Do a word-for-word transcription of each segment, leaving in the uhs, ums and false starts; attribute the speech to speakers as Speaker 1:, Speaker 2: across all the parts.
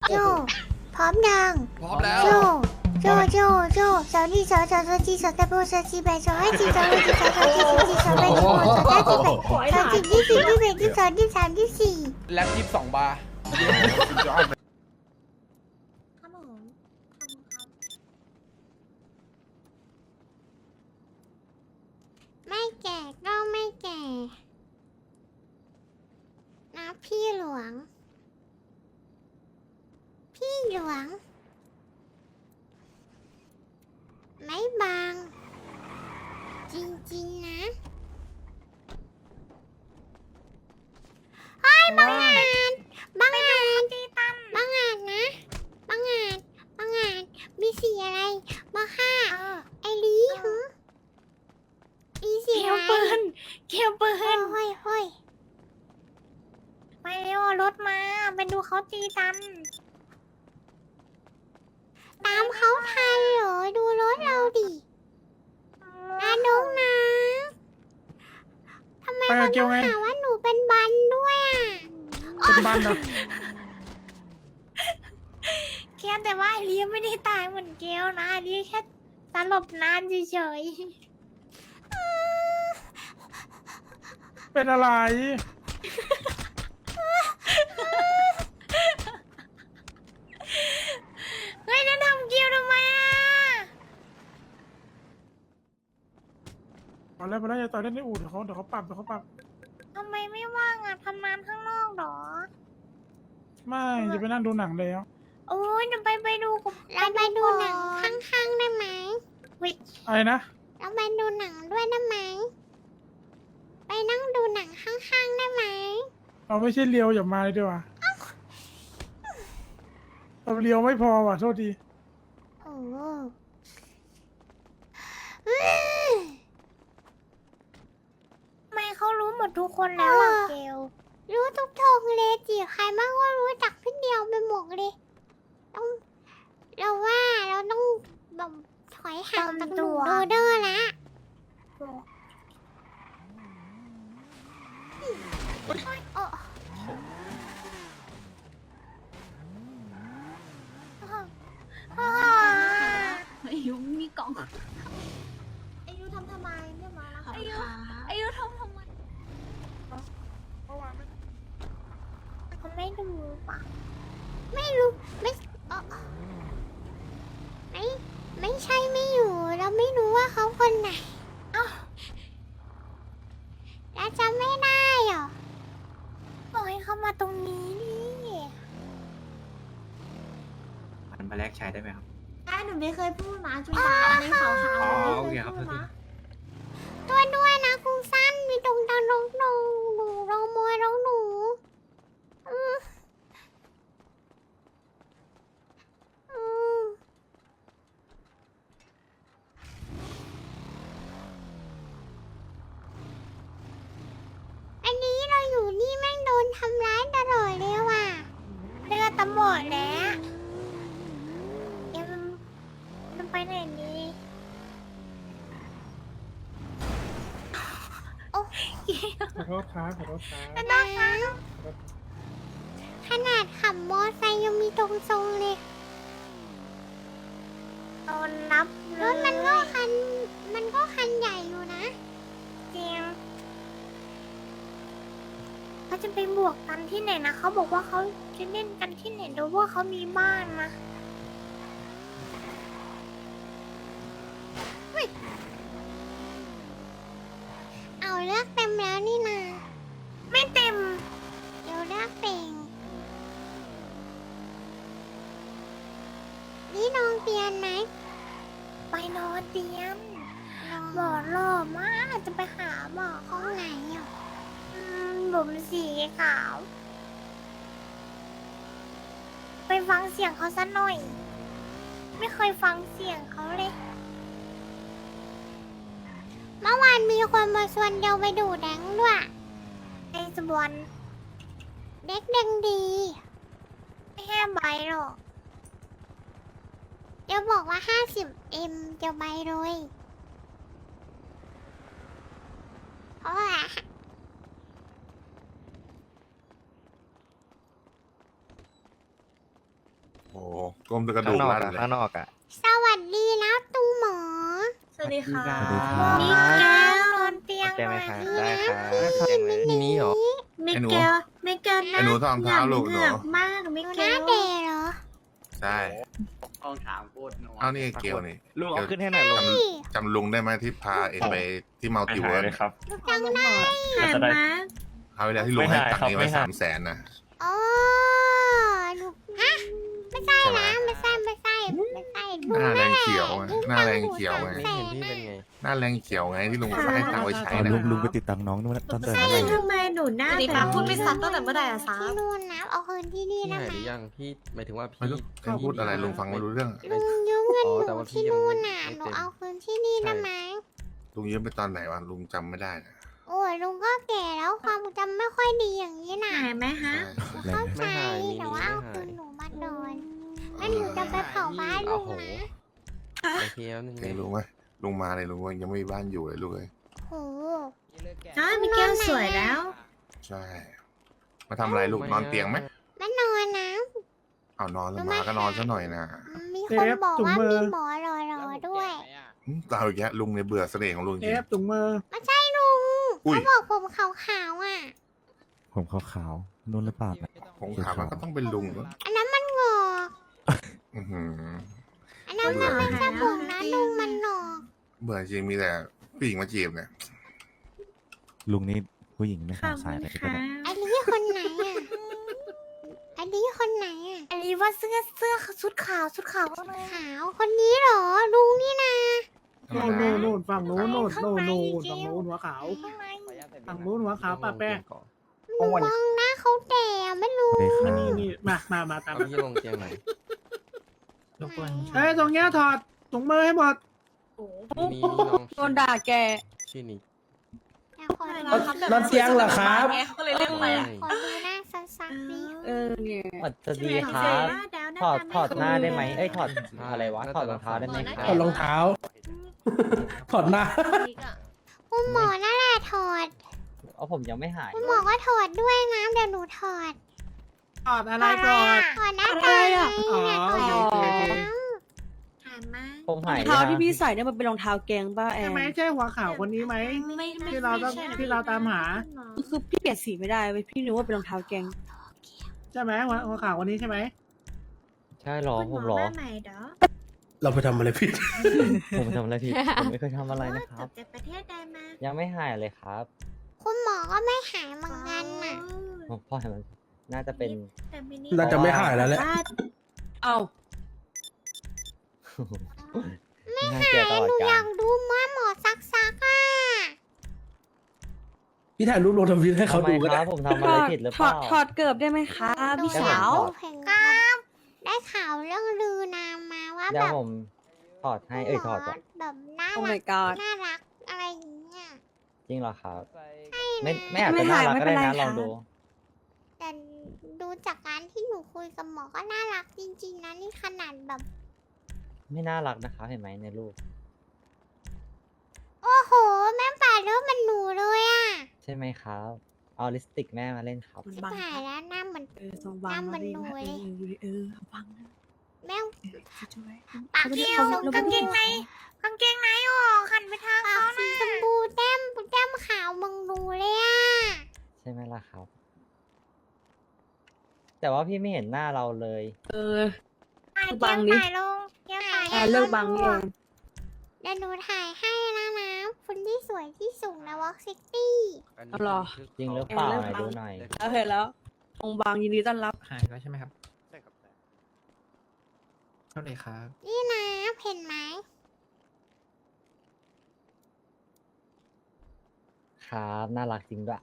Speaker 1: โจพร้อมยัง
Speaker 2: พร้อมแล้ว
Speaker 1: โจโจโจโจสาวนี่สาวสาวสาวจีสาวตะโบสาวจีแบสาวไอจีสาวไอจีสาวสาวจีสาวจีสาวแบสาวสาวจีแบสาวจีที่สี่ที่แปดที่สองที่สามที่สี่
Speaker 2: แล็บยี่สิบสองบาร์
Speaker 1: ครับผมไม่แก่ก็ไม่แก่นะพี่หลวง พี่หลวง ไม่บาง จริงๆนะเฮ้ยบังอาจบังอาจบังอาจนะบังอาจบังอาจมีสีอะไรมาฆ่าไอลีหือมีสี
Speaker 3: เกี่ยว
Speaker 1: อะไร
Speaker 3: ปืนเกี่ยวปื
Speaker 1: เฮ้ย
Speaker 3: น
Speaker 1: เฮ้ยเฮ้ย
Speaker 3: ไปเร็วรถมาไปดูเขาตีกัน
Speaker 1: ตามเขาทันเหรอ ดูรถเราดินาดงนะทำไม
Speaker 4: ไป
Speaker 1: เขา
Speaker 4: กับเกี
Speaker 1: ต้
Speaker 4: ย
Speaker 1: อ
Speaker 4: ว
Speaker 1: ง
Speaker 4: ไง
Speaker 1: หาว่าหนูเป็นบันด้วยอ่ะ
Speaker 4: เป็นบ้านเหรอ
Speaker 3: แค่แต่ว่าไอเลียไม่ได้ตายเหมือนเกลนะไอเลียแค่สลบนานเฉย
Speaker 4: เป็นอะไร
Speaker 3: ๆเฮ้ยจะทำเกลทำไมอ่ะ
Speaker 4: ตอนแรกมาแล้วจะต่อยเล่นในอู่เดี๋ยวเขาเดี๋ยวเขาปรับเดี๋ยวเขาปรับ
Speaker 3: ทำไมไม่ว่างอ่ะทำงานข้างนอกเหรอ
Speaker 4: ไม่จะไปนั่งดูหนังแล้ว
Speaker 3: โอ้ยจะไปไปดูกับ
Speaker 1: เราไปดูหนังข้างๆได้ไหม
Speaker 3: วิ
Speaker 4: อะไรนะ
Speaker 1: เราไปดูหนังด้วยได้ไหม ไปนั่งดูหนังข้างๆได้ไหม
Speaker 4: เราไม่ใช่เลียวอย่ามาเลยดีกว่าเราเลียวไม่พอว่ะโทษที
Speaker 1: โอ้โหอืม
Speaker 3: ทำไมเขารู้หมดทุกคนแล้วอ่ะ
Speaker 1: เออ
Speaker 3: เกล
Speaker 1: รู้ทุกทงเลยจีใครบ้างก็รู้จักพี่เดียวไปหมดเลย ต้อง เราว่าเราต้องแบบถอยห่างจากหนูโดเดอร์ละ โอ้
Speaker 3: อ่า
Speaker 5: อายุมีกล่อง
Speaker 1: อายุทำทำไมเนี่ยมาแล้ว
Speaker 5: อายุอายุทำทำไม
Speaker 4: เมื่อวานไม่
Speaker 3: เขาไม่ดูป่ะ
Speaker 1: ไม่รู้ไม่เอ่อไม่ไม่ใช่ไม่อยู่ เราไม่รู้ว่าเขาคนไหน
Speaker 3: เอ้า
Speaker 1: เราจำไม่ได้เหรอ
Speaker 3: ปล่อยเขามาตรงนี้นี่
Speaker 6: มันมาแลกใช้ได้ไหมครับ
Speaker 7: ได้หนูไม่เคยพูดนะจุนตาในขาวขาว
Speaker 6: อ๋อ
Speaker 7: ไม่
Speaker 6: โอ
Speaker 7: เค
Speaker 6: เค
Speaker 7: ย
Speaker 6: ครับ
Speaker 7: พูดนะ
Speaker 1: ตัวด้วยนะคุณสั้นมีตรงตางนงนงหนูรองมวยรองหนูอืมอืมอันนี้เราอยู่นี่แม่งโดนทำร้ายตลอดเลยว่ะ
Speaker 3: เลือดตำหมดแล้วเอ็มมันไปไหนนี่
Speaker 1: โอ้
Speaker 4: ขอโทษครับขอโทษครับ
Speaker 1: นะขนาดขับมอไซค์ยังมีตรงทรงเลย
Speaker 3: โดนนับ
Speaker 1: รถมันก็คัน มันก็คันใหญ่อยู่นะ
Speaker 3: จริงเขาจะไปบวกกันที่ไหนนะเขาบอกว่าเขาจะเล่นกันที่ไหนดูว่าเขามีบ้านนะ
Speaker 1: เอาเลือกเต็มแล้วนี่นา
Speaker 3: ไม่เต็ม
Speaker 1: เดี๋ยวเลือกเป่งนี่น้องเตียนไหม
Speaker 3: ไปนอนเตียง
Speaker 1: น้อง
Speaker 3: หมอหล่อมากจะไปหาหมอ
Speaker 1: ห้องไหนอ่ะ
Speaker 3: อืมผมสีขาว ไปฟังเสียงเขาสักหน่อย ไม่เคยฟังเสียงเขาเลย
Speaker 1: เมื่อวานมีคนมาชวนเดียวไปดูแดงด้วย
Speaker 3: ไอ้สบวน
Speaker 1: เด็กแดงดี
Speaker 3: ไม่แห้ใบหรอก
Speaker 1: เดี๋ยวบอกว่าห้าสิบเอ็มจะไปเลยเพราะว่า
Speaker 2: อ้ก้มตะกระดู
Speaker 8: ข้าง
Speaker 2: ก
Speaker 8: นอก
Speaker 2: ลั่น
Speaker 8: อะ
Speaker 2: เลย
Speaker 8: ข้างนอกอะ
Speaker 1: สวัสดีนะตุงหมอ
Speaker 7: สวัสดีค่ะ
Speaker 8: สวัสดีครับ
Speaker 3: มิเกลนอนเตียง
Speaker 8: แจ้งไหม
Speaker 3: หน่อย
Speaker 8: ครับได้ครับแจ้งไหม
Speaker 9: นี่นี้เหรอ
Speaker 3: มิเกลมิเกล
Speaker 2: ไอ้หนูทองเท้าลูกห
Speaker 3: เห
Speaker 2: นู
Speaker 3: งือกมากมิ
Speaker 1: ดู
Speaker 3: เก
Speaker 1: หน้า
Speaker 3: ล
Speaker 1: เดย์เหรอ
Speaker 2: ใช่
Speaker 6: ห้องถามพูดนัว
Speaker 2: เอานี่ไอ้เกลนี่
Speaker 8: ลุงเอาขึ้นให้หน่อยลุง
Speaker 2: จำลุงได้ไหมที่พาเอ็งไปที่มัลติเวิร์ส
Speaker 9: ครับ
Speaker 1: จังได้
Speaker 3: หายมา
Speaker 2: เอาเวลาที่ลุงให้ตังค์เองไว้
Speaker 9: ไม่หาย
Speaker 2: สามแสนนะ
Speaker 1: อ๋อหนูฮะไม่ใช่
Speaker 2: ใช่ไหม
Speaker 1: นะไม่ใช่ไม่ใช่ไม่ใช่
Speaker 2: หน้าแรงเขียวไงหน้าแรงเขียวไง
Speaker 9: ไม่เห็นพี่เป็นไง
Speaker 2: หน้าแรงเขียวไงที่ลุงให้ตังค์ไว้ใช้
Speaker 8: ตอน
Speaker 2: นะ
Speaker 8: ลุงลุงไปติดตังค์น้องนู่นตั้งแต่
Speaker 3: ใช่
Speaker 8: เมื่อไหร่
Speaker 3: ทำไมหนูหน้า
Speaker 7: สวัสดี
Speaker 3: แบ
Speaker 7: ครับ
Speaker 3: บ
Speaker 7: พูดไม่ซัดตั้งแต่เมื่อไหร่อะซา
Speaker 1: ที่นู่นนะเอาคืนที่นี่
Speaker 9: พี่
Speaker 1: ได้
Speaker 9: หาย
Speaker 1: ไหม
Speaker 9: หรือยังพี่หมายถึงว่า
Speaker 2: ไม่
Speaker 9: พี่
Speaker 2: รู้เขาพูดอะไรลุงฟังไม่รู้เรื่อง
Speaker 1: ลุงยืมเงิน
Speaker 9: อ๋อ
Speaker 1: ห
Speaker 9: แต่
Speaker 1: นู
Speaker 9: ว่าพี่
Speaker 1: ที่
Speaker 9: ยัง
Speaker 1: นู่
Speaker 9: ไม่
Speaker 1: นน่ะ
Speaker 9: ไม่
Speaker 1: หนู
Speaker 9: เต็ม
Speaker 1: เอาคืนที่นี่ได้ไหม
Speaker 2: ลุงยืมไปตอนไหนวะลุงจำไม่ได้นะ
Speaker 1: โอ้ยลุงก็แก่แล้วความจำไม่ค่อยดีอย่างนี้น่ะ
Speaker 3: หายไหมฮะ
Speaker 2: ใช่
Speaker 1: เข้าใจ
Speaker 9: ไม่หายมี
Speaker 1: แต่
Speaker 9: นี้
Speaker 1: ว่า
Speaker 9: ไม่
Speaker 1: เอา
Speaker 9: หา
Speaker 1: คื
Speaker 9: ย
Speaker 1: นหนูมาโดนแล้วหนูจะไปเผาบ้านลุ
Speaker 9: โอ้
Speaker 1: ง
Speaker 9: โห
Speaker 1: นะ
Speaker 9: โอเคแล้วนึง
Speaker 2: เองรู้ไหมลุงมาเลยลุงยังไม่มีบ้านอยู่เลยลูกเอ้ย
Speaker 1: โห
Speaker 3: อ้าวมิเกลสวยแล้ว
Speaker 2: ใช่ มาทำอะไรลูกนอนเตียงไหม
Speaker 1: มานอนนะ
Speaker 2: เอานอนแล้วมาก็นอนซะหน่อยนะ
Speaker 1: มีคนบอกว่ามีหมอรอรอด้วย
Speaker 2: อืมเราอีกแล้วลุงเนี่ยเบื่อเสน่ห์ของลุงจ
Speaker 4: เอ
Speaker 2: ริง
Speaker 4: ฟถุงมือ
Speaker 1: ไม่ใช่ลุง
Speaker 2: อุ้ย
Speaker 1: เขาบอกผมขาวๆอ่ะ
Speaker 8: ผมขาวๆนู่นหรือเปล่านะ
Speaker 2: ผมถามว่าก็ต้องเป็นลุงก็
Speaker 1: อันนั้นมันงอก
Speaker 2: อื้อหือ
Speaker 1: อันนั้นมันไม่ใช่ผมนะลุงมันหนอก
Speaker 2: เบื่อจริงมีแต่ผู้หญิงมาจีบเนี่ย
Speaker 8: ลุงนี่ผู้หญิงไม่
Speaker 3: ขอ
Speaker 8: ขา
Speaker 3: บ
Speaker 8: ดสาย
Speaker 3: คุณ
Speaker 8: เลยก็
Speaker 3: ค่ะ
Speaker 8: ได้
Speaker 1: อันนี้คนไหนอ่ะอันนี้คนไหนอ่ะ
Speaker 3: อันนี้ว่าเสื้อเสื้อชุดขาวชุดขาวเลย
Speaker 1: ขาวคนนี้เหรอลุงนี่นะ
Speaker 2: ธรรม
Speaker 4: โน่น
Speaker 2: ดา
Speaker 4: โน่นโน่นฝั่งโน้นโน่นโน่นโน่น
Speaker 3: ข้างใน
Speaker 4: ฝั่งโน้นหัวขาว
Speaker 3: ข้างใน
Speaker 4: ฝั่งโน้นหัวขาวป้าแป้ง
Speaker 1: หนูมองหน้าเขาแต่ไม่รู้
Speaker 8: สวัสดีครั
Speaker 4: อัน
Speaker 8: บ
Speaker 4: นี้นี่มามามาตาม
Speaker 9: เอา
Speaker 4: มา
Speaker 9: พี่ลงเตียงไหน
Speaker 4: เฮ้ยตรงเนี้ยถอดถุงมือให้หมด
Speaker 9: นี่นี่น้อง
Speaker 7: โดนด่าแก
Speaker 9: ชื่อนิก
Speaker 1: แต่ขอดู
Speaker 7: นอนเตียงเหรอครับก็เลยเรียกไป
Speaker 1: ขอดูหน้าซักๆดิ
Speaker 7: เออเนี่ย
Speaker 10: สวัสดีครับ ถอดถอดหน้าได้ไหมเอ้ยถอดอะไรวะ ถอดรองเท้าได้ไหมครั
Speaker 7: ถอดรองเท้า ถอดหน้า
Speaker 1: คุณหมอนั่นแหละถอด
Speaker 10: เอาผมยังไม่หาย
Speaker 1: คุณหมอก็ถอดด้วยนะเดี๋ยวหนูถอด
Speaker 4: ถอดอะไรก่อน
Speaker 1: ถอดหน้าตาไง
Speaker 4: อ๋อ
Speaker 1: เนี่ยถอด
Speaker 4: โอเคโอเค
Speaker 3: หายมา
Speaker 10: ผมหาย
Speaker 7: รองเท้าที่พี่ใส่เนี่ยมันเป็นรองเท้าแกงป้าแอ
Speaker 4: ใช่
Speaker 7: น
Speaker 4: ไหมใช่หัวขาวคนนี้ไหม
Speaker 3: ไม่ไม่
Speaker 4: ที่เราต้อง
Speaker 3: ไม่ใช่
Speaker 4: ที่เราตามหา
Speaker 7: คือพี่เปลี่ยนสีไม่ได้เว้ยพี่นึกว่าเป็นรองเท้าแกง
Speaker 4: ใช่ไหมหัวหัวขาวคนนี้ใช่ไหม
Speaker 10: ใช่หรอ
Speaker 3: คุณ
Speaker 10: ผม
Speaker 3: ห
Speaker 10: หร
Speaker 3: มอ
Speaker 10: อ
Speaker 3: มาใหม่เด้อ
Speaker 7: เราไปทำอะไรผิด
Speaker 10: ผมทำอะไรผิด ผมไม่เคยทำอะไรนะค
Speaker 3: ก
Speaker 10: รั
Speaker 3: ลั
Speaker 10: บ
Speaker 3: บจากประเทศใดมา
Speaker 10: ยังไม่หายเลยครับ
Speaker 1: คุณหมอก็ไม่หายเหมือนกันน่ะ
Speaker 10: ผมพ่อเห็นมันน่าจะเป็น
Speaker 3: แต่มินิ
Speaker 7: น่าจะไม่หายแล้วแหละ เอ้า
Speaker 10: น่าเกลียดตลอด
Speaker 1: หนู
Speaker 10: กา
Speaker 1: อยา
Speaker 10: ล
Speaker 1: กดูว่าหมอซักซักๆอ่ะ
Speaker 7: พี่ถ่ายรูปลงทวิตให้เขา
Speaker 10: ทำไม
Speaker 7: ดูก็
Speaker 10: ค
Speaker 7: ได้
Speaker 10: รับผมทำอะไรผิดหรือเปล่า
Speaker 7: ถอดเกิบได้ไหมคะพี่สาว
Speaker 1: ครับได้ข่าวเรื่องลือนามมาว่า
Speaker 10: เดี๋
Speaker 1: แบ
Speaker 10: ยว
Speaker 1: บ
Speaker 10: ผมถอดให้เอ้ยถอดก่อน
Speaker 1: แบบน่า
Speaker 7: โอ้
Speaker 1: รั
Speaker 7: my
Speaker 1: ก
Speaker 7: god
Speaker 1: น่ารักอะไรอย่างเงี้ย
Speaker 10: จริงเหรอครับ ไม่ไม่อาจจะน่ารักก็ได้นะลองดู
Speaker 1: แต่ดูจากการที่หนูคุยกับหมอก็น่ารักจริงๆนะนี่ขนาดแบบ
Speaker 10: ไม่น่ารักนะครับเห็นไหมในรูป
Speaker 1: โอ้โห แม่ป่าเริ่มมันหนูเลยอ่ะ
Speaker 10: ใช่ไหมครับ เอาลิปสติกแม่มาเล่นครับ
Speaker 7: มัน
Speaker 1: ชิบ
Speaker 7: บัง
Speaker 1: หายแล้วหน้าเหมือน
Speaker 7: เออสองบังมาดีนะเอออยู่ดิเออบังนะ
Speaker 1: แม่ง
Speaker 7: ช่วย
Speaker 1: ปากเดียวกางเกงในกางเกงในออกหันไปทางเขาสีชมพูแต้มแต้มขาวมึงดูเลยอ่ะ
Speaker 10: ใช่ไหมล่ะครับ แต่ว่าพี่ไม่เห็นหน้าเราเลย
Speaker 7: เออ
Speaker 1: ถ่าย
Speaker 7: บัง
Speaker 1: เกี
Speaker 7: ดิ
Speaker 1: ยร์ถ่ายลงเกียร์ถ่าย
Speaker 7: อ่าเลิกบังนี่เอง
Speaker 1: เดี๋ยวหนูถ่ายให้นะนะคนที่สวยที่สุดในวอล์กซิตี้
Speaker 7: เอาเหรอ
Speaker 10: จริงหรือเปล่าไหนดูหน่อย
Speaker 7: แล้วเห็นแล้วองค์บางยินดีต้อนรับ
Speaker 6: หายแล้วใช่ไหมครับ ใช่ครับเท่าไหร่ครับ
Speaker 1: นี่นะเห็นไหม
Speaker 10: ครับน่ารักจริงด้วย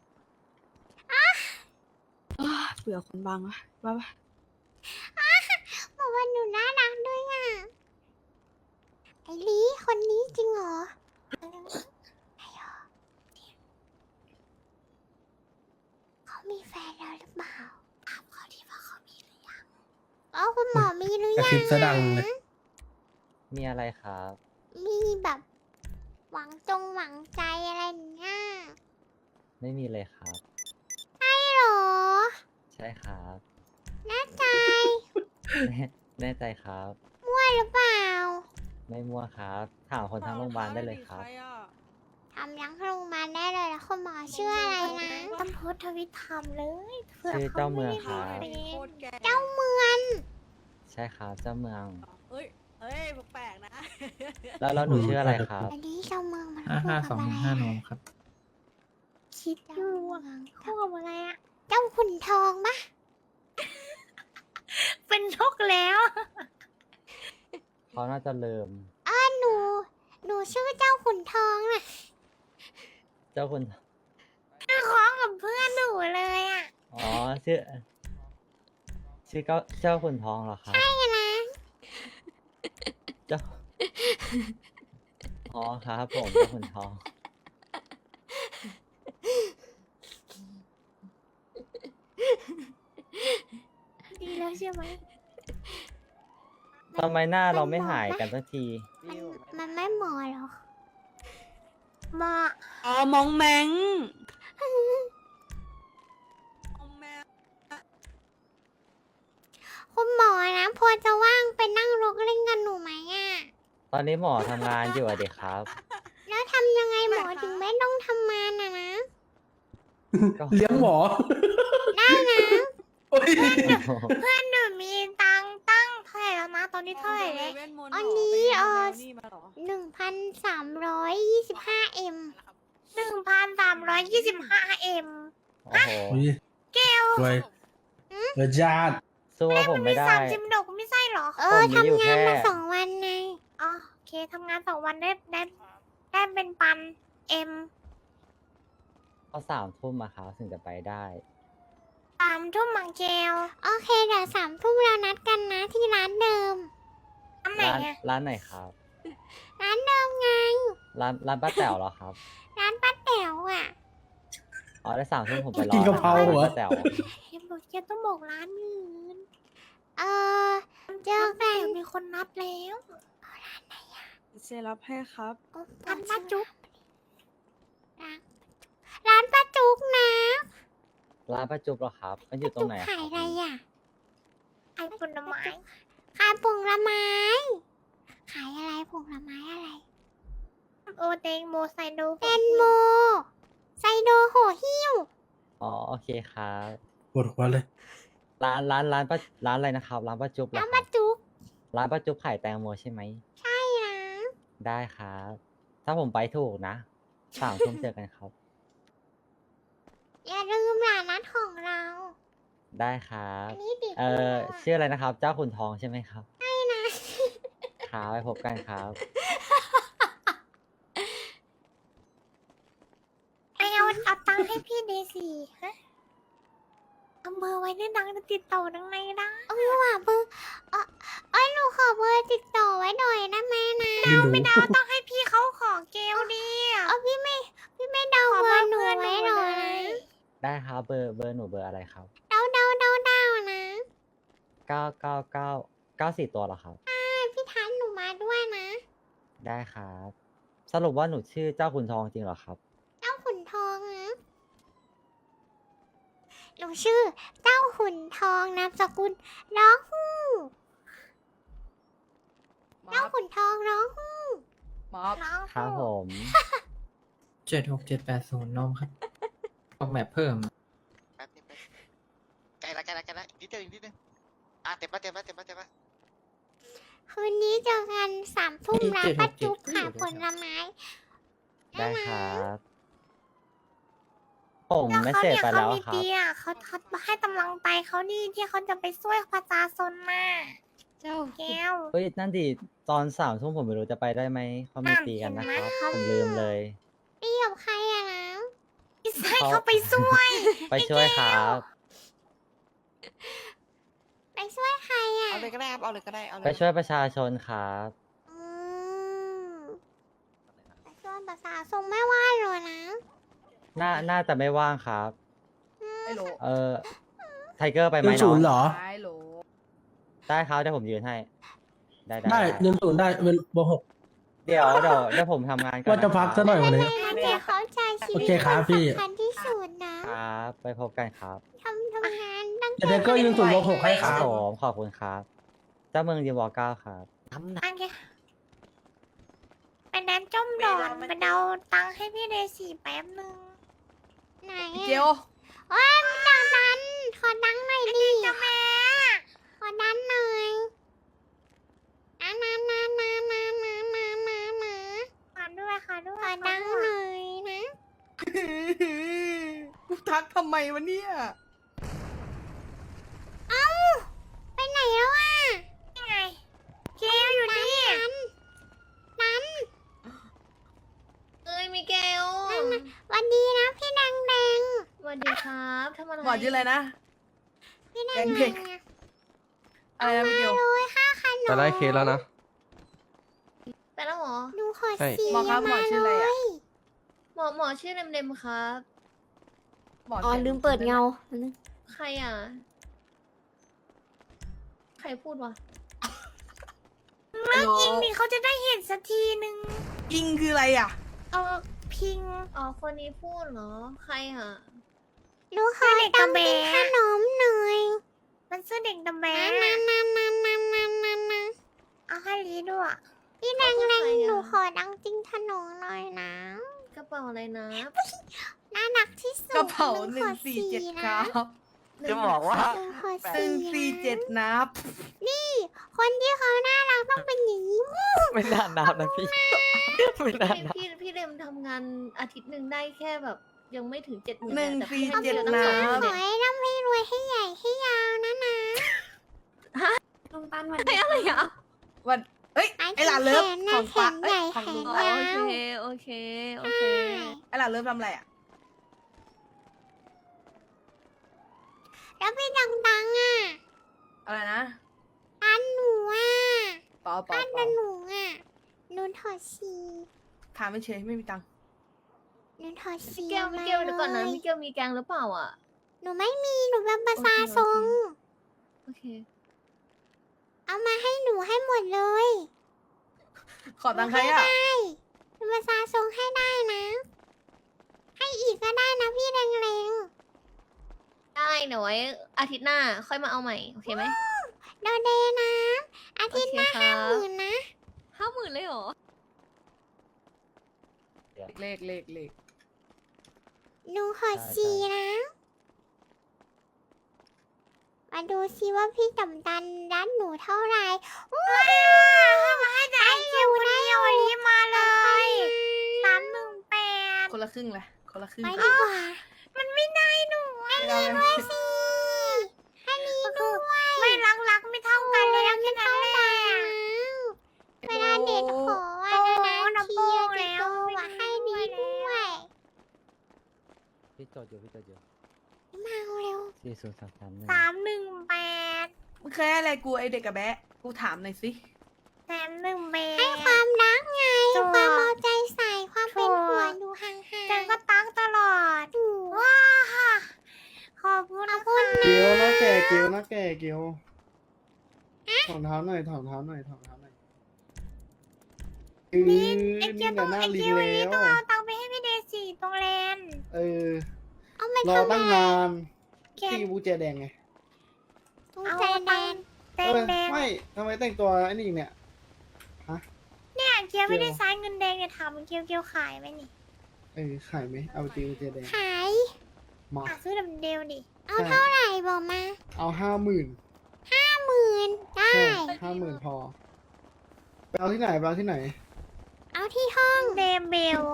Speaker 7: เบื่อคนบางวะว่าปะ
Speaker 1: บอกว่าหนูน่ารักด้วยอ่ะไอลีคนนี้จริงเหรอไอ้หรอเขามีแฟนแล้วหรือเปล่าถามเขาดีว่าเขามีหรือยังอ๋อคุณหมอมีหรือยัง
Speaker 7: กระซิบซะดังเลย
Speaker 10: มีอะไรครับ
Speaker 1: มีแบบ หวังจงหวังใจอะไรอย่างเงี้ย
Speaker 10: ไม่มีเลยครับ
Speaker 1: ใช่เหรอ
Speaker 10: ใช่ครับ
Speaker 1: แน่ใจ
Speaker 10: แน่แน่ใจครับ
Speaker 1: มั่วหรือเปล่า
Speaker 10: ไม่มั่วครับ ถามคนทั้งโรงพยาบาลได้เลยครับ
Speaker 7: ใอะ
Speaker 1: ทำยังโรงพยาบาลได้เลยแล้วคุณหมอชื่ออะไรนะ
Speaker 3: ต้องโพสต์ทวิตทำเลยผื่
Speaker 10: ชื่อเจ้าเมืองค
Speaker 3: ขา
Speaker 10: รับ
Speaker 3: ไม่ได้
Speaker 7: โค
Speaker 3: ดู
Speaker 7: ตรแก่
Speaker 1: เจ้าเมือง
Speaker 10: ใช่ครับ เจ้าเมือง
Speaker 7: เอ้ยเอ้ยแปลกๆนะ
Speaker 10: แล้วแล้วหนูชื่ออะไรครับ
Speaker 1: อันนี้เจ้าเมืองมัน
Speaker 11: ห้า
Speaker 1: คู่
Speaker 11: ห้า
Speaker 1: กับ
Speaker 11: สอง
Speaker 1: อะไร
Speaker 11: ห้า
Speaker 1: อะ
Speaker 11: โนมครับ
Speaker 3: คิดอยู่อะคู่กับอะไรอะ
Speaker 1: เจ้าขุนทองปะ
Speaker 3: เป็นนกแล้ว
Speaker 10: เขาน่าจะเริ่ม
Speaker 1: อ้าหนู หนูชื่อเจ้าขุนทองน่ะ
Speaker 10: เจ้าคุณ
Speaker 3: คล้องกับเพื่อนหนูเลยอะ
Speaker 10: อ๋อ ชื่อ ชื่อเจ้าเจ้าคุณทองเหรอครับ
Speaker 1: ใช่นะ
Speaker 10: เจ้า อ๋อครับผมเจ้าคุณทอง
Speaker 3: ดีแล้วใช่ไหม
Speaker 10: ทำไมหน้าเราไม่หายกันสักที
Speaker 1: มันมันไม่เหมาะหรอก
Speaker 3: มา
Speaker 7: อ๋อ มองแมงมองแมง
Speaker 1: คุณหมอนะพอจะว่างไปนั่งรถเล่นกันหนูไหมอ่ะ
Speaker 10: ตอนนี้หมอทำงานอยู่อะเด็กครับ
Speaker 1: แล้วทำยังไงหมอถึงไม่ต้องทำงานนะนะ
Speaker 10: ก็
Speaker 11: เลี้ยงหมอ
Speaker 1: ได้นะ
Speaker 11: โอ้ย
Speaker 3: เพื่อนหนูมีตังค์ตั้งเท่าไหร่แล้วนะตอนนี้เท่าไหร่เลย
Speaker 1: อันนี้เออ
Speaker 7: นี่มาเหรอ
Speaker 1: หนึ่งพันสามร้อยยี่สิบห้าเอ็ม
Speaker 3: หนึ่งพันสามร้อยยี่สิบห้าเอ็ม
Speaker 10: โอ้โห
Speaker 3: เกล
Speaker 11: รวยรวยญาติ
Speaker 10: สู้ว่าผมไม่ได้
Speaker 3: สามสิบดอกไม่ใช่เหรอ
Speaker 1: เออ
Speaker 10: ผมมีอยู่
Speaker 1: ทำงาน
Speaker 10: แค่
Speaker 1: มาสองวันไง
Speaker 3: อ๋อโอเคทำงานสองวันได้ได้ได้เป็นปันเอ็ม
Speaker 10: ก็สามทุ่มอะครับถึงจะไปได้
Speaker 3: สามทุ่มมังเกล
Speaker 1: โอเคเดี๋ยวสามทุ่มเรานัดกันนะที่ร้านเดิม
Speaker 3: อันไหน
Speaker 10: ร้าน
Speaker 3: อะ
Speaker 10: ร้านไหนครับ
Speaker 1: ร้านเดิมไง
Speaker 10: ร้านร้านป้าแต๋วเหรอครับ
Speaker 1: ร้านป้าแต๋วอ่ะ
Speaker 10: อ๋อได้สามทุ่มผมไปรอ
Speaker 11: กินกะเพรา
Speaker 10: ร้าน
Speaker 11: เหรอ
Speaker 10: ป้าแต๋ว
Speaker 3: เอ็มบอกแกต้องบอกร้านอื่น
Speaker 1: เออเจอ
Speaker 3: แต่
Speaker 1: กัน
Speaker 3: มีคนนับแล้ว
Speaker 7: เซรับให้ครับ
Speaker 3: ร้านป้าจุ๊บ
Speaker 1: ร้านป้าจุกนะ
Speaker 10: ร้านป้าจุ๊บเหรอครับ มันอยู่ตรงไหนอะ
Speaker 1: ขายอะไรอ่ะ
Speaker 3: ไอ้ผลไม้
Speaker 1: ขายผลไม้ ขายอะไรผลไม้อะไร
Speaker 3: โอเตงโมไซโด
Speaker 1: แตงโม ไซโดโหหิ้ว
Speaker 10: อ๋อโอเคครับ
Speaker 11: ปวดหัวเลย
Speaker 10: ร้านร้านร้านป้าร้านอะไรนะครับ ร้านป้าจุ๊บเหรอ
Speaker 1: ร้าน
Speaker 10: ครั
Speaker 1: ป้า
Speaker 10: บ
Speaker 1: จุก
Speaker 10: ร้านป้าจุ๊บขายแตงโมใช่ไหม
Speaker 1: ใช่นะ
Speaker 10: ได้ครับ ถ้าผมไปถูกนะสามทุ่มเจอกันครับ
Speaker 1: อย่าลืมร้านนัดของเรา
Speaker 10: ได้ครับ
Speaker 1: อันนี้ติด
Speaker 10: เอ่อ
Speaker 1: ตัว
Speaker 10: ชื่ออะไรนะครับ เจ้าขุนทองใช่ไหมครับ
Speaker 1: ใช่นะ
Speaker 10: ครับไปพบกันครับ
Speaker 3: ไอเอาเอาตังค์ให้พี่เดซี่ฮะเอาเบอร์ไว้ในดังจะติดต่อดังในได้
Speaker 1: เออว่ะเบอร์เออเอ้ยหนูขอเบอร์ติดต่อไว้หน่อยนะแม่นะ
Speaker 11: ไม่รู้
Speaker 3: ไม่ได้เอาต้องให้พี่เขาขอเกลดิ
Speaker 1: เออพี่ไม่พี่ไม่เดาเบอร์หนูไว้หน่อยนะ
Speaker 10: ได้ครับเบอร์เบอร์หนูเบอร์อะไรครับ
Speaker 1: เดาเดาเดาเดานะ
Speaker 10: เก้าเก้าเก้าเก้าสี่ตัวเหรอครับ
Speaker 1: ใช่พี่ทันหนูมาด้วยนะ
Speaker 10: ได้ครับ สรุปว่าหนูชื่อเจ้าขุนทองจริงเหรอครับ
Speaker 1: เจ้าขุนทองนะหนูชื่อ เจ้าขุนทองนามสกุลร้องฮู้เจ้าขุนทองร้องฮู้
Speaker 7: มอบ
Speaker 3: น้อง
Speaker 10: ครับผม
Speaker 11: เจ็ดหกเจ็ดแปดศูนย์นมครับ ออกแบบเพิ่ม
Speaker 6: แป๊บนึงแป๊บนึงใกล้ละใกล้ละใกล้ละอีกนิดเดียวอีกนิดนึงอ่ะเต็มละเต็มละเต็มละเต็มละ
Speaker 1: คืนนี้เจอกันสามทุ่ม
Speaker 11: นี่
Speaker 1: ร้าน
Speaker 11: เจ็ดห
Speaker 1: ป้าก
Speaker 11: เจ็ด
Speaker 1: จุ๊บ
Speaker 11: ก็
Speaker 1: ขาย
Speaker 11: อยู่
Speaker 1: ผ
Speaker 11: ด้วย
Speaker 1: ลไม้
Speaker 10: ได้ครับ ผม
Speaker 3: แล้ว
Speaker 10: ไม่
Speaker 3: เขา
Speaker 10: เสร็จ
Speaker 3: เนี่ย
Speaker 10: ไป
Speaker 3: เขา
Speaker 10: แล้ว
Speaker 3: มี
Speaker 10: ครับ
Speaker 3: เตียเขาทัดมาให้กำลังใจเขานี่ที่เขาจะไปช่วยประชาชนมา
Speaker 7: เจ้า
Speaker 3: แก้ว
Speaker 10: เฮ้ยนั่นดิตอนสามทุ่มผมไม่รู้จะไปได้ไหมเขามี
Speaker 3: อ่ะ
Speaker 10: ตีกันนะ
Speaker 3: เห็
Speaker 10: คน
Speaker 3: ไหม
Speaker 10: รับ
Speaker 3: เขา
Speaker 10: ผมลืมเลย
Speaker 1: ตีกับใครอะนะ
Speaker 3: ให้เขาไปช่วย
Speaker 10: ไปช่วยครับ
Speaker 1: ไปช่วยใครอะ
Speaker 6: เอาเลยก็ได้ครับเอาเลยก็ได้เอาเลย
Speaker 10: ไปช่วยประชาชนครับ
Speaker 1: อืมไปช่วยภาษาทรงไม่ว่าเลยนะ
Speaker 10: น่าน่าจะไม่ว่างครับ
Speaker 7: ไม่รู้
Speaker 10: เออไทเกอร์ไปไหม
Speaker 11: เงิน
Speaker 10: น้
Speaker 11: ศู
Speaker 10: อน
Speaker 11: ย์
Speaker 10: ง
Speaker 11: เหรอ
Speaker 7: ไม่รู้
Speaker 10: ได้ครับเดี๋ยวผมยืนให้ ได้ได้
Speaker 11: ได้
Speaker 10: ได้
Speaker 11: เงินศูนย์ได้เป็นเบอร์หก
Speaker 10: เดี๋ยวเดี๋ยวเดี๋ยวผมทำงานก่อน
Speaker 11: ว่าจะพักซะหน่อยวันนี้
Speaker 1: ไม่งั้นจะเข้าใจชีวิต
Speaker 11: โอเคครับพี่
Speaker 1: สำคัญที่สุดนะครับ
Speaker 10: ไปพบกันครับ
Speaker 1: ทำทำงานตั้ง
Speaker 11: เดี๋ยวก็เงินศูนย์เบอร์หกให้ค
Speaker 10: ครั
Speaker 11: รั
Speaker 10: บบ ผมขอบคุณครับ เเจ้าเมืองดีวอเก้าครับ
Speaker 3: อันนี้เป็นแดนจมดอนไปเดาตังค์ให้พี่เดซี่แป๊บนึง
Speaker 1: ไหน
Speaker 7: เจียว
Speaker 1: โอ้ยมันดังดันขอดังหน่อยดิ
Speaker 3: จะแม่
Speaker 1: ขอดังหน่อยนานานานานานานานานา
Speaker 3: ขอด้วยค่ะด้ว
Speaker 1: ข
Speaker 3: ย
Speaker 1: อดังหน่อยนะ
Speaker 7: กูทักทำไมวะเนี่ย
Speaker 1: เอ้าไปไหนแล้วอ่ะ
Speaker 3: ยังไงเกลอยู่นี่
Speaker 1: นั้นนั้น
Speaker 5: เอ้ยมิเกล
Speaker 1: วันดีนะพี่แดงแดง
Speaker 5: สวัสดีครับทำอะไร
Speaker 7: หมอชื่ออะไรนะ
Speaker 1: พี่แด
Speaker 7: แด
Speaker 1: ง
Speaker 7: ง
Speaker 1: แด
Speaker 7: เด็ก
Speaker 1: งอะ
Speaker 7: อะไรนะพี่เกียว
Speaker 1: เลยค่าขนม
Speaker 9: แต่ได้เคสแล้วนะ
Speaker 5: ไปแล้วหมอ
Speaker 1: ดูขอ
Speaker 9: ใช่
Speaker 1: สี
Speaker 7: หมอครับหมอชื่ออะไรอะ
Speaker 5: หมอหมอชื่อเดมๆครับ
Speaker 7: หมอ
Speaker 1: อ๋อ
Speaker 7: สีย
Speaker 1: ลืมเปิดเงา
Speaker 5: ใครอ่ะ ใครพูดวะ
Speaker 3: เลิกยิงนี่เขาจะได้เห็นสักทีนึง
Speaker 7: อิงคืออะไรอ่ะ
Speaker 3: เออพิง
Speaker 5: อ๋อคนนี้พูดเหรอ ใครอ่ะ
Speaker 1: ดูขอต้องกินขนมหน่อย
Speaker 3: มันชื่อเด็กดำแบ
Speaker 1: นานนานนานนานนานนานนาน
Speaker 3: เอาให้ลีด้วย
Speaker 1: พี่แดงแดงหนูขอดังจริงขนมหน่อยนะ
Speaker 5: กระเป๋าอะไรนะ
Speaker 1: น่ารักที่สุด
Speaker 7: กระเป๋าห
Speaker 1: ข
Speaker 7: นึ่
Speaker 1: อง
Speaker 7: สี่
Speaker 1: สี
Speaker 7: เจ็ดค
Speaker 1: นะ
Speaker 7: รับ
Speaker 10: จะบอกว่า
Speaker 1: หนูขอ
Speaker 7: หนึ่งสี่เจ็ด
Speaker 1: นะ
Speaker 7: นับ
Speaker 1: นี่คนที่เขาน่ารักต้องเป็นอย่างนี้
Speaker 10: ไม่น่านับนะพี่ ไม่น่า
Speaker 5: พี่
Speaker 10: นับ
Speaker 5: พี่พี่เดมทำงานอาทิตย์หนึ่งได้แค่แบบ ยังไม่ถึงเจ็ดหมื่น
Speaker 7: หนึ่ง
Speaker 5: แต่พี่
Speaker 7: สี่
Speaker 5: ให้
Speaker 7: เจ็ด
Speaker 5: เยอะตั้งสองห
Speaker 7: นะ
Speaker 5: มื่น
Speaker 1: ขอ
Speaker 5: เนี่ย
Speaker 1: ให้ร่ำให้รวยให้ใหญ่ให้ยาวนะนะ
Speaker 3: ลุงตันวัน
Speaker 5: ให้อะไรอ่ะ
Speaker 7: วันเอ้ย ไอหลานเลิฟ
Speaker 1: แขน
Speaker 7: ข
Speaker 1: นะ
Speaker 7: อง
Speaker 1: แข
Speaker 7: ฟ้าน
Speaker 1: ให
Speaker 7: เอ้
Speaker 1: ญ่
Speaker 7: ยของ
Speaker 1: แข
Speaker 7: ลุ
Speaker 1: น
Speaker 7: ง
Speaker 5: อ๋อย
Speaker 1: าว
Speaker 5: โอเคโอเคโอเค
Speaker 7: ไอหลานเลิฟทำอะไรอ่ะ
Speaker 1: แล้วพี่ดังดังอ่ะ
Speaker 7: อะไรนะ
Speaker 1: อันหนูอ่ะ
Speaker 7: เปล่าเปล่า
Speaker 1: อัน
Speaker 7: เปล่า
Speaker 1: หนูอ่ะหนูถอดสี
Speaker 7: ถามไม่เฉยไม่มีตังค์
Speaker 1: หนูถอดสี
Speaker 5: มิเกลมิเกลเดี๋ยวก่อนนะมิเกลมีแกงหรือเปล่าอ่ะ
Speaker 1: หนูไม่มีหนูเป็นประสาทรง
Speaker 5: โอเค
Speaker 1: เอามาให้หนูให้หมดเลย
Speaker 7: ขอตังค์ใครอ่ะ
Speaker 1: ได้เป็นประสาทรงให้ได้นะ ให้อีกก็ได้นะพี่แรง
Speaker 5: ได้เดี๋ยวไว้อาทิตย์หน้าค่อยมาเอาใหม่ โอเคไหม
Speaker 1: ๆโดเดนะอาทิตย์หน้า
Speaker 5: โอเคครั
Speaker 1: ห้า
Speaker 5: บ
Speaker 1: หมื่นนะ
Speaker 5: ห้าหมื่นเลยเหรอ
Speaker 7: เลขเลขเลข
Speaker 1: หนูขอสีนะ มาดูซิว่าพี่จำดันรัดหนูเท่าไหร่ว้าวมาให้ได้อยู่ได้อยู่รีบมาเลย
Speaker 3: สามหนึ่งแปด
Speaker 7: คนละครึ่งเลยคนละครึ่ง
Speaker 1: ไปดีกว่า
Speaker 3: มันไม่ได้หนู
Speaker 7: ไม่เอาเลย
Speaker 1: ด้วยสิให้ลีด้วย
Speaker 3: ไม่รักรักไม่เท่ากันเลยแค่นั้นแหละ
Speaker 1: เวลาเด็ดขอว่า
Speaker 3: โอ้
Speaker 1: นะ
Speaker 3: โห
Speaker 1: นะ
Speaker 3: นับ
Speaker 1: ที
Speaker 3: โป้
Speaker 1: จะ
Speaker 3: แล้
Speaker 1: โต
Speaker 3: ว
Speaker 1: ว่าให้ลีด้วย
Speaker 10: พี่จดอยู่พี่จดอยู่
Speaker 1: มาเร็ว
Speaker 10: สี่ศูนย์สามสามหนึ่ง
Speaker 3: สามหนึ่งแปด
Speaker 7: มึงเคยให้อะไรกูไอเด็กกับแบะ กูถามหน่อยสิ
Speaker 3: แสนหนึ่งแปด
Speaker 1: ให้ความรักไง
Speaker 3: ถูก
Speaker 1: ความเอาใจใส่ความเป็น
Speaker 3: ถูก
Speaker 1: ห่วงอยู่ห่าง
Speaker 3: จันก็ตั้งตลอด
Speaker 1: ๆถูก
Speaker 3: ว้าค่ะขอบคุณนะคุณ
Speaker 12: เกียวนะแก่เกียวนะแก่เกียวถอดเท้าหน่อยถอดเท้าหน่อยถอดเท้าหน่อยอือ
Speaker 3: นี่
Speaker 12: นี่
Speaker 3: ไอเกียว
Speaker 12: แห
Speaker 3: ต้อ
Speaker 12: ละ
Speaker 3: ง
Speaker 12: หน้า
Speaker 3: ไอ
Speaker 12: ลิง
Speaker 3: เกียววันนี้
Speaker 12: แล้
Speaker 3: ต้อง
Speaker 12: ว
Speaker 3: เอาตังค์ไปให้พี่เดซี่ตรงแลนด์
Speaker 12: เออ
Speaker 1: เอาไป
Speaker 12: รอ
Speaker 1: ทำ
Speaker 12: ตั้ง
Speaker 1: อะไร
Speaker 12: นาน
Speaker 3: เกีย
Speaker 12: ที่บูเจแดงไง
Speaker 1: ตู้
Speaker 3: เอา
Speaker 1: ใจแด
Speaker 3: ตัง
Speaker 1: น
Speaker 3: ค์แด
Speaker 12: เอง อ
Speaker 3: แดง
Speaker 12: ไม่ทำไมแต่งตัวไอ้นี่อีกเนี่ย
Speaker 3: เนี่ยเกียวไม่ได้
Speaker 12: เกียว
Speaker 3: ใช้เงินแดงจะทำเกียวเกียวขายไหมนี่
Speaker 12: เออขายไหมเอาตีบูเจแดง
Speaker 1: ขาย
Speaker 12: มา
Speaker 3: อ่ะซื้อดำเดียวดิ
Speaker 1: เอาเท่าไหร่บอกมา
Speaker 12: เอาห้าหมื่น
Speaker 1: ห้าหมื่นได้
Speaker 12: ใช่ห้าหมื่นพอไปเอาที่ไหนไปเอาที่ไหน
Speaker 1: เอาที่ห้อง
Speaker 3: เดมเบล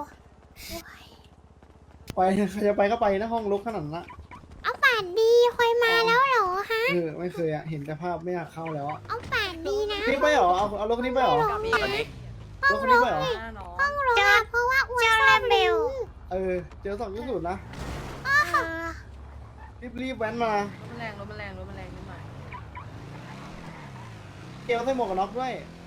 Speaker 12: ไปใครจะไปก็ไปนะห้องลกขนาดนั้นละ
Speaker 1: เอาป่านดีคอยมาแล้วเหรอฮะ
Speaker 12: เออไม่เคยอะเห็นแต่ภาพไม่อยากเข้าแล้วอะ
Speaker 1: เอาป่านดีนะ
Speaker 12: นี่ไปเหรอเอาเอารถคันนี้ไปเหรอ
Speaker 7: กับอีก
Speaker 12: รถคันนี้ไปเหรอ
Speaker 7: หน้าน้อง
Speaker 1: ห้องรถอะเพราะว่าอ้วน
Speaker 3: เจ้า
Speaker 1: ช
Speaker 3: แล
Speaker 1: อบ
Speaker 3: มเบ
Speaker 1: เร็
Speaker 3: ล
Speaker 1: ว
Speaker 12: เออเจอสองที่สุดนะ
Speaker 3: เออ
Speaker 12: รีบรีบแว้นมา
Speaker 7: รถมันแรงรถมันแรงรถมันแรงนิดหน่อย
Speaker 12: เกลใส่หมวกกันน็อกด้วย
Speaker 1: เ